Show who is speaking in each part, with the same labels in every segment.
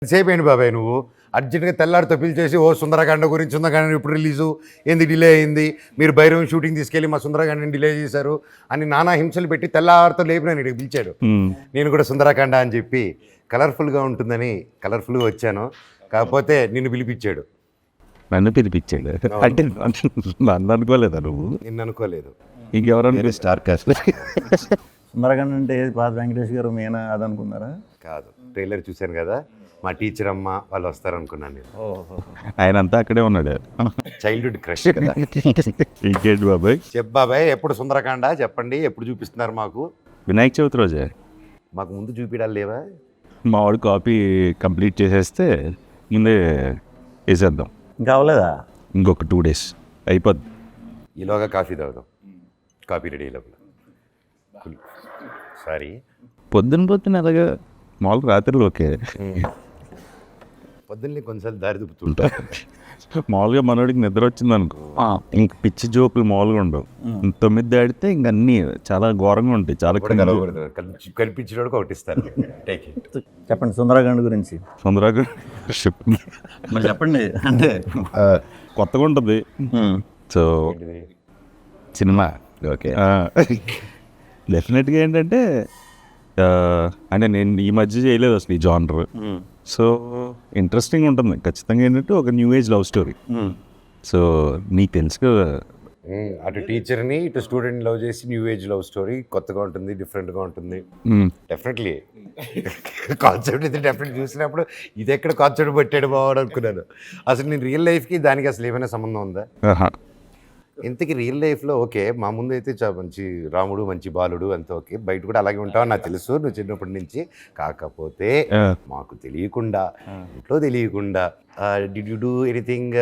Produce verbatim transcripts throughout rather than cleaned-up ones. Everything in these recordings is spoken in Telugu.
Speaker 1: సేపు ఏంటి బాబాయ్ నువ్వు అర్జెంట్గా తెల్లారితో పిలిచేసి ఓ సుందరకాండ గురించి సుందరకాండ ఇప్పుడు రిలీజు ఏంది డిలే అయింది, మీరు భైరవం షూటింగ్ తీసుకెళ్ళి మా సుందరకాండని డిలే చేశారు అని నానా హింసలు పెట్టి తెల్లారితో లేపిన నేను పిలిచాడు. నేను కూడా సుందరకాండ అని చెప్పి కలర్ఫుల్గా ఉంటుందని కలర్ఫుల్గా వచ్చాను. కాకపోతే నిన్ను పిలిపించాడు.
Speaker 2: నన్ను పిలిపించాడు అంటే నన్ను అనుకోలేదా నువ్వు?
Speaker 1: నిన్ను అనుకోలేదు,
Speaker 2: ఇంకెవరన్నా స్టార్ కాస్ట్.
Speaker 3: సుందరకాండ అంటే పాత వెంకటేష్ గారు మేనా అది అనుకున్నారా?
Speaker 1: కాదు, ట్రైలర్ చూశాను కదా, మా టీచర్ అమ్మ వాళ్ళు వస్తారనుకున్నాను నేను.
Speaker 2: ఆయన అంతా అక్కడే ఉన్నాడు.
Speaker 1: Childhood crush.
Speaker 2: ఇంకేంటి బాబాయ్?
Speaker 1: చెప్ బాబాయ్, ఎప్పుడు సుందరకాండ చెప్పండి, ఎప్పుడు చూపిస్తున్నారు మాకు?
Speaker 2: వినాయక చవితి రోజే.
Speaker 1: మాకు ముందు చూపించాలి లేవా?
Speaker 2: మా వాడు కాపీ కంప్లీట్ చేసేస్తే ముందే వేసేద్దాం.
Speaker 3: ఇంకా అవ్వలేదా?
Speaker 2: ఇంకొక టూ డేస్ అయిపోద్ది.
Speaker 1: ఈలోగా కాఫీ తాగుదాం. కాఫీ రెడీ లోపల. సారీ,
Speaker 2: పొద్దున పొద్దున అలాగా మామూలు రాత్రిలో ఓకే,
Speaker 1: పొద్దున్నే కొంచెం దారి దుప్పుతుంటా.
Speaker 2: మామూలుగా మనోడికి నిద్ర వచ్చింది అనుకో, ఇంక పిచ్చి జోకులు మామూలుగా ఉండవు. తొమ్మిది దాడితే ఇంక అన్నీ చాలా ఘోరంగా ఉంటాయి. చాలా
Speaker 1: కనిపించినోడు ఒకటి ఇస్తారు.
Speaker 3: చెప్పండి సుందరకాండ గురించి.
Speaker 2: తొందరగా
Speaker 3: మరి చెప్పండి. అంటే
Speaker 2: కొత్తగా ఉంటుంది. సో సినిమా ఓకే డెఫినెట్గా ఏంటంటే అంటే నేను ఈ మధ్య చేయలేదు అసలు ఈ జానర్. సో ఇంట్రెస్టింగ్ ఉంటుంది ఖచ్చితంగా. ఏంటంటే ఒక new age love story. So నీకు తెలుసు కదా,
Speaker 1: అటు టీచర్ని ఇటు స్టూడెంట్ లవ్ చేసి న్యూ ఏజ్ లవ్ స్టోరీ కొత్తగా ఉంటుంది, డిఫరెంట్గా ఉంటుంది. డెఫినెట్లీ కాన్సెప్ట్ ఇది డెఫినెట్ చూసినప్పుడు ఇది ఎక్కడ కాన్సెప్ట్ పెట్టాడు బావాడు అనుకున్నాను. అసలు నేను రియల్ లైఫ్కి దానికి అసలు ఏమైనా సంబంధం ఉందా? ఇంతకీ రియల్ లైఫ్లో ఓకే, మా ముందు అయితే చాలా మంచి రాముడు, మంచి బాలుడు అంత ఓకే, బయట కూడా అలాగే ఉంటావు నాకు తెలుసు నువ్వు చిన్నప్పటి నుంచి. కాకపోతే మాకు తెలియకుండా, ఇంట్లో తెలియకుండా డిడ్ యు డూ ఎనీథింగ్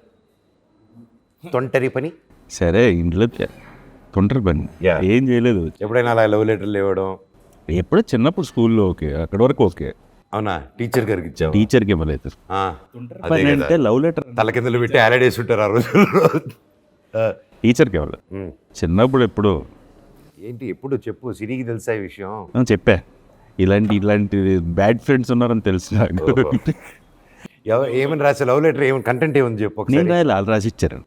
Speaker 1: తొంటరి పని?
Speaker 2: సరే ఇంట్లో తొంటరి పని ఏం చేయలేదు.
Speaker 1: ఎప్పుడైనా అలా లవ్ లెటర్లు ఇవ్వడం?
Speaker 2: ఎప్పుడో చిన్నప్పుడు స్కూల్లో ఓకే, అక్కడి వరకు ఓకే.
Speaker 1: అవునా? టీచర్ గారికి ఇచ్చావు?
Speaker 2: టీచర్కి ఇవ్వలేదు. అంటే లవ్ లెటర్
Speaker 1: తల కిందలు పెట్టి ఆలడేసి ఉంటారు ఆ రోజుల్లో.
Speaker 2: టీచర్కి ఇవ్వలేదు చిన్నప్పుడు. ఎప్పుడు
Speaker 1: ఏంటి ఎప్పుడు చెప్పు, సిరికి తెలుసా ఈ విషయం?
Speaker 2: చెప్పా, ఇలాంటి ఇలాంటి బ్యాడ్ ఫ్రెండ్స్ ఉన్నారని తెలుసు.
Speaker 1: ఎవరు ఏమని రాసే లవ్ లెటర్, ఏమైనా కంటెంట్ ఏముంది చెప్పు.
Speaker 2: నేను రాయాలి, వాళ్ళు రాసి ఇచ్చారు.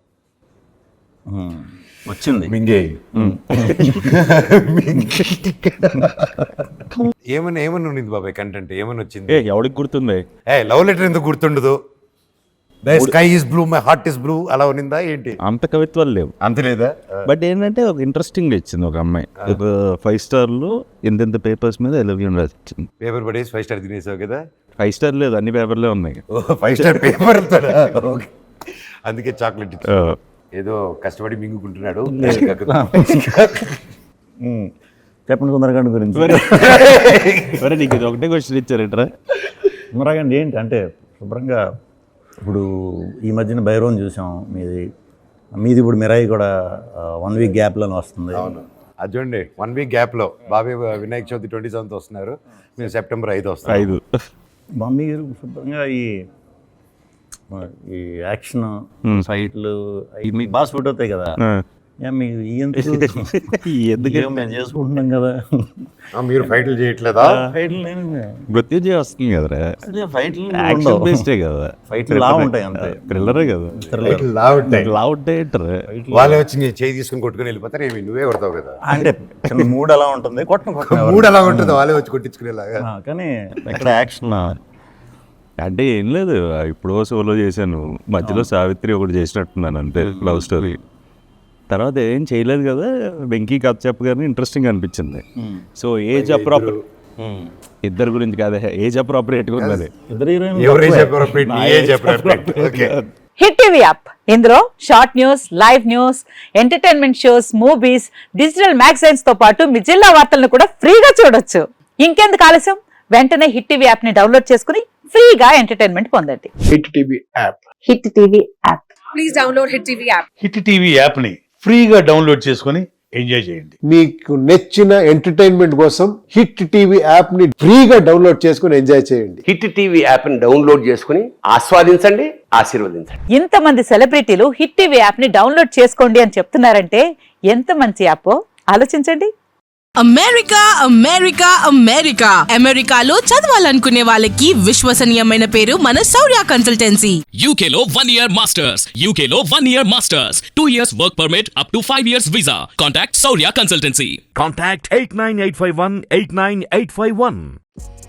Speaker 3: వచ్చింది
Speaker 1: మింగే. ఏమన్నా ఏమన్నా ఉన్నింది బాబాయ్ కంటెంట్, ఏమని వచ్చింది?
Speaker 2: ఏ ఎవరికి గుర్తుంది?
Speaker 1: ఏ లవ్ లెటర్ ఎందుకు గుర్తుండదు? Sky is blue my heart is blue అలా ఉన్నిందా ఏంటి?
Speaker 2: అంత కవిత్వాలు లేవు.
Speaker 1: అంత లేదా?
Speaker 2: బట్ ఏంటంటే ఒక ఇంట్రెస్టింగ్ ఇచ్చింది ఒక అమ్మాయి. ఒక ఫైవ్ స్టార్లు ఎంతెంత పేపర్స్ మీద ఐ లవ్ యూ రాసి ఇచ్చింది.
Speaker 1: పేపర్ పడేసి ఫైవ్ స్టార్ తినేసావు కదా?
Speaker 2: ఫైవ్ స్టార్ లేదు, అన్ని పేపర్లే ఉన్నాయి.
Speaker 1: ఫైవ్ స్టార్ పేపర్ అందుకే చాక్లెట్ ఏదో కష్టపడి మింగుకుంటున్నాడు.
Speaker 3: చెప్పండి సుందరకాండ గురించి.
Speaker 2: సరే నీకు ఇది ఒకటే క్వశ్చన్ ఇచ్చారేంట్రా?
Speaker 3: సుందరకాండ ఏంటి అంటే శుభ్రంగా ఇప్పుడు ఈ మధ్యన భైరవం చూసాం, మీది మీది ఇప్పుడు మిరాయి కూడా వన్ వీక్ గ్యాప్లోనే వస్తుంది.
Speaker 1: అవును, అది చూడండి, వన్ వీక్ గ్యాప్లో బాబాయ్ వినాయక చవితి ట్వంటీ సెవెంత్ వస్తున్నారు, మేము సెప్టెంబర్ ఐదు వస్తాం.
Speaker 2: ఐదు
Speaker 3: మమ్మీ శుభ్రంగా ఈ ఈ యాక్షన్ ఫైట్లు మీకు బాగా సూట్ అవుతాయి కదా. మీకు ఎందుకు మేము చేసుకుంటున్నాం కదా,
Speaker 1: మీరు ఫైట్లు చేయట్లేదా?
Speaker 3: ఫైట్లు
Speaker 2: మృత్యుంజయ వస్తుంది కదరా,
Speaker 3: ఫైట్లు
Speaker 2: బేస్డే కదా,
Speaker 3: ఫైట్లు లా ఉంటాయి అంతే,
Speaker 2: థ్రిల్లరే కదా.
Speaker 1: లా ఉంటాయి,
Speaker 2: లా ఉంటాయి.
Speaker 1: వాళ్ళే వచ్చి నీ చేయి తీసుకుని కొట్టుకుని వెళ్ళిపోతారు, ఏమి నువ్వే కొడతావు కదా.
Speaker 3: అంటే మూడు అలా ఉంటుంది, కొట్టను కొట్ట
Speaker 1: మూడు అలా ఉంటుంది, వాళ్ళే వచ్చి కొట్టించుకునేలాగా.
Speaker 3: కానీ ఎక్కడ యాక్షన్
Speaker 2: అంటే ఏం లేదు, ఇప్పుడు సోలో చేశాను, మధ్యలో సావిత్రి ఒకటి చేసినట్టున్నాను అంతే లవ్ స్టోరీ. తర్వాత ఏం చేయలేదు కదా. వెంకీ కథ చెప్పగానే ఇంట్రెస్టింగ్ అనిపించింది. సో ఏజ్ అప్రాపర్ ఇద్దరు గురించి కాదు, ఏజ్ అప్రాపరియేట్గా ఉన్నది.
Speaker 4: హిట్ టీవీ యాప్, ఇందులో short news, live news, entertainment shows, movies, digital magazines తో పాటు మీ జిల్లా వార్తలను కూడా ఫ్రీగా చూడొచ్చు. ఇంకెందుకు ఆలస్యం, వెంటనే హిట్ టీవీ యాప్ ని డౌన్లోడ్ చేసుకుని ఫ్రీగా ఎంటర్టైన్మెంట్ పొందండి.
Speaker 5: Hit TV app,
Speaker 4: hit TV app,
Speaker 6: please download hit TV app.
Speaker 5: Hit TV app ని ఫ్రీగా డౌన్లోడ్ చేసుకుని ఎంజాయ్ చేయండి.
Speaker 7: మీకు నచ్చిన ఎంటర్టైన్మెంట్ కోసం హిట్ టీవీ యాప్ ని ఫ్రీగా డౌన్లోడ్ చేసుకుని ఎంజాయ్ చేయండి.
Speaker 8: హిట్ టీవీ యాప్ ని డౌన్లోడ్ చేసుకుని ఆస్వాదించండి, ఆశీర్వదించండి.
Speaker 4: ఇంతమంది సెలబ్రిటీలు హిట్ టీవీ యాప్ ని డౌన్లోడ్ చేసుకోండి అని చెప్తున్నారంటే ఎంత మంచి యాప్ ఆలోచించండి.
Speaker 9: అమెరికా అమెరికా అమెరికా అమెరికాలో చదవాలనుకునే వాళ్ళకి విశ్వసనీయమైన పేరు మన శౌర్య కన్సల్టెన్సీ.
Speaker 10: U K లో one year masters, U K లో one year masters, two years work permit up to five years visa. Contact Saurya Consultancy.
Speaker 11: Contact eight nine eight five one eight nine eight five one.